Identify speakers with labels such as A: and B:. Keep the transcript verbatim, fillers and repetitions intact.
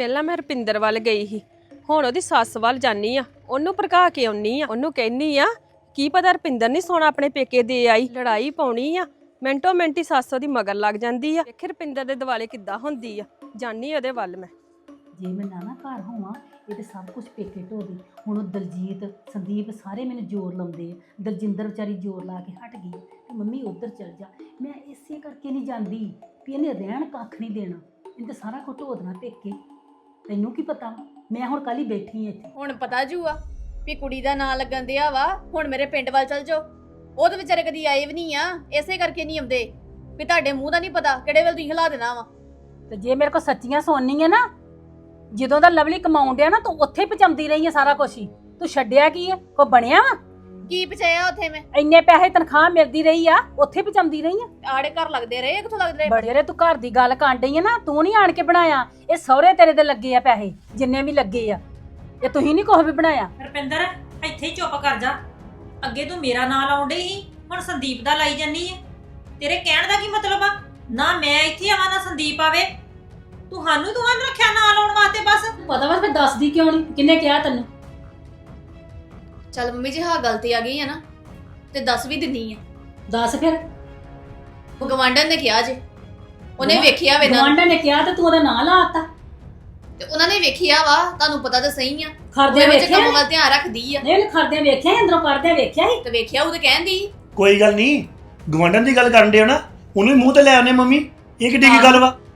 A: ਪਹਿਲਾਂ ਮੈਂ ਰਪਿੰਦਰ ਵੱਲ ਗਈ ਸੀ, ਹੁਣ ਉਹਦੀ ਸੱਸ ਵੱਲ ਜਾਨੀ ਆ, ਉਹਨੂੰ ਭੜਕਾ ਕੇ ਆਉਣੀ ਆ। ਉਹਨੂੰ ਕਹਿਨੀ ਆ ਕੀ ਪਤਾ ਰਪਿੰਦਰ ਨਹੀਂ ਸੋਨਾ ਆਪਣੇ ਪੇਕੇ ਦੇ ਆਈ, ਲੜਾਈ ਪਾਉਣੀ ਆ। ਮਿੰਟੋ ਮਿੰਟੀ ਸੱਸ ਉਹਦੀ ਮਗਰ ਲੱਗ ਜਾਂਦੀ ਆ। ਵੇਖ ਰਪਿੰਦਰ ਦੇ ਦਿਵਾਲੇ ਕਿੱਦਾਂ ਹੁੰਦੀ ਆ। ਜਾਨੀ ਉਹਦੇ ਵੱਲ ਮੈਂ।
B: ਜੇ ਮੈਂ ਨਾ ਨਾ ਘਰ ਹੋਵਾਂ ਇਹ ਤੇ ਸਭ ਕੁਝ ਪੇਕੇ ਢੋਦੀ। ਹੁਣ ਉਹ ਦਲਜੀਤ ਸੰਦੀਪ ਸਾਰੇ ਮੈਨੂੰ ਜ਼ੋਰ ਲਾਉਂਦੇ ਆ। ਦਲਜਿੰਦਰ ਵਿਚਾਰੀ ਜ਼ੋਰ ਲਾ ਕੇ ਹਟ ਗਈ ਤੇ ਮੰਮੀ ਉੱਧਰ ਚਲ ਜਾ। ਮੈਂ ਇਸੇ ਕਰਕੇ ਨਹੀਂ ਜਾਂਦੀ ਵੀ ਇਹਨੇ ਰਹਿਣ ਕੱਖ ਨਹੀਂ ਦੇਣਾ, ਇਹਨੇ ਤਾਂ ਸਾਰਾ ਕੁਝ ਢੋ ਦੇਣਾ ਪੇਕੇ। ਤੈਨੂੰ ਕੀ ਪਤਾ, ਮੈਂ ਹੁਣ ਕੱਲ ਹੀ ਬੈਠੀ ਹਾਂ ਇੱਥੇ।
C: ਹੁਣ ਪਤਾ ਜੂਆ ਵੀ ਕੁੜੀ ਦਾ ਨਾਂ ਲੱਗਣ ਦਿਆ ਵਾ, ਹੁਣ ਮੇਰੇ ਪਿੰਡ ਵੱਲ ਚਲ ਜਾਓ। ਉਹ ਤਾਂ ਵਿਚਾਰੇ ਕਦੀ ਆਏ ਵੀ ਨਹੀਂ ਆ, ਇਸੇ ਕਰਕੇ ਨਹੀਂ ਆਉਂਦੇ ਵੀ ਤੁਹਾਡੇ ਮੂੰਹ ਦਾ ਨਹੀਂ ਪਤਾ ਕਿਹੜੇ ਵੇਲੇ ਤੁਸੀਂ ਹਿਲਾ ਦੇਣਾ ਵਾ।
B: ਤੇ ਜੇ ਮੇਰੇ ਕੋਲ ਸੱਚੀਆਂ ਸੁਣਨੀ ਹੈ ਨਾ, ਜਦੋਂ ਦਾ ਲਵਲੀ ਕਮਾਉਣ ਡਿਆ ਨਾ ਤੂੰ ਉੱਥੇ ਪਚਾਉਂਦੀ ਰਹੀ ਹੈ ਸਾਰਾ ਕੁਝ ਹੀ। ਤੂੰ ਛੱਡਿਆ ਕੀ ਹੈ, ਕੋ ਬਣਿਆ ਵਾ?
C: ਕੀ ਪਚਾਇਆ ਉੱਥੇ ਮੈਂ?
B: ਇੰਨੇ ਪੈਸੇ ਤਨਖਾਹ ਮਿਲਦੀ ਰਹੀ ਆ, ਉੱਥੇ ਪਚਾਉਂਦੀ ਰਹੀ ਆ।
C: ਆੜੇ ਘਰ ਲੱਗਦੇ ਰਹੇ, ਕਿੱਥੋਂ ਲੱਗਦੇ ਰਹੇ?
B: ਬੜੇ ਰੇ ਤੂੰ ਘਰ ਦੀ ਗੱਲ ਕਰਨ ਡਈ ਆ ਨਾ, ਤੂੰ ਨਹੀਂ ਆਣ ਕੇ ਬਣਾਇਆ। ਇਹ ਸਹੁਰੇ ਤੇਰੇ ਦੇ ਲੱਗੇ ਆ ਪੈਸੇ, ਜਿੰਨੇ ਵੀ ਲੱਗੇ ਆ। ਇਹ ਤੁਸੀਂ ਨਹੀਂ ਕੁਛ ਵੀ ਬਣਾਇਆ।
D: ਰੁਪਿੰਦਰ ਇੱਥੇ ਹੀ ਚੁੱਪ ਕਰ ਜਾ। ਅੱਗੇ ਤੂੰ ਮੇਰਾ ਨਾਂ ਲਾਉਣ ਡਈ ਸੀ, ਹੁਣ ਸੰਦੀਪ ਦਾ ਲਾਈ ਜਾਨੀ ਹੈ। ਤੇਰੇ ਕਹਿਣ ਦਾ ਕੀ ਮਤਲਬ ਆ? ਨਾ ਮੈਂ ਇੱਥੇ ਆਵਾਂ ਨਾ ਸੰਦੀਪ ਆਵੇ। ਤੁਹਾਨੂੰ ਤੁਹਾਨੂੰ ਰੱਖਿਆ ਨਾਂ ਲਾਉਣ ਵਾਸਤੇ ਬਸ।
B: ਪਤਾ ਵਾ ਫਿਰ ਦੱਸਦੀ ਕਿਉਂ ਨਹੀਂ? ਕਿੰਨੇ ਕਿਹਾ ਤੈਨੂੰ?
C: ਚੱਲ ਮੰਮੀ ਜੀ ਹਾਂ ਗਲਤੀ ਆ ਗਈ ਹੈ ਨਾ, ਤੇ ਦੱਸ ਵੀ ਦਿੰਨੀ ਆ।
B: ਦੱਸ ਫਿਰ।
C: ਉਹ ਗਵਾਂਢਣ ਨੇ ਕਿਹਾ ਜੇ, ਉਹਨੇ ਵੇਖਿਆ ਵੇ ਨਾ,
B: ਗਵਾਂਢਾਂ ਨੇ ਕਿਹਾ ਤੇ ਤੂੰ ਉਹਦਾ ਨਾਂ ਲਾਤਾ।
C: ਤੇ ਉਹਨਾਂ ਨੇ ਵੇਖਿਆ ਵਾ, ਤੁਹਾਨੂੰ ਪਤਾ ਤਾਂ ਸਹੀ ਆ।
B: ਖਰਦਿਆਂ
C: ਉਹਦੇ ਵਿੱਚ
B: ਵੇਖਿਆ
C: ਕੰਮ ਵੱਲ ਧਿਆਨ ਰੱਖਦੀ ਆ।
B: ਨਹੀਂ ਉਹਨੇ ਖਰਦਿਆਂ ਵੇਖਿਆ ਸੀ, ਅੰਦਰੋਂ ਕੱਢਦਿਆਂ ਵੇਖਿਆ ਸੀ।
C: ਤੇ ਵੇਖਿਆ ਉਹ ਤੇ ਕਹਿੰਦੀ
E: ਕੋਈ ਗੱਲ ਨਹੀਂ, ਗਵਾਂਢਣ ਦੀ ਗੱਲ ਕਰਨ ਦੇ ਹੋ ਨਾ, ਉਹਨੂੰ ਵੀ ਮੂੰਹ ਤੇ ਲੈ ਆਉਨੇ ਮੰਮੀ। ਇਹ ਕਿੱਡੀ ਕੀ ਗੱਲ ਵਾ?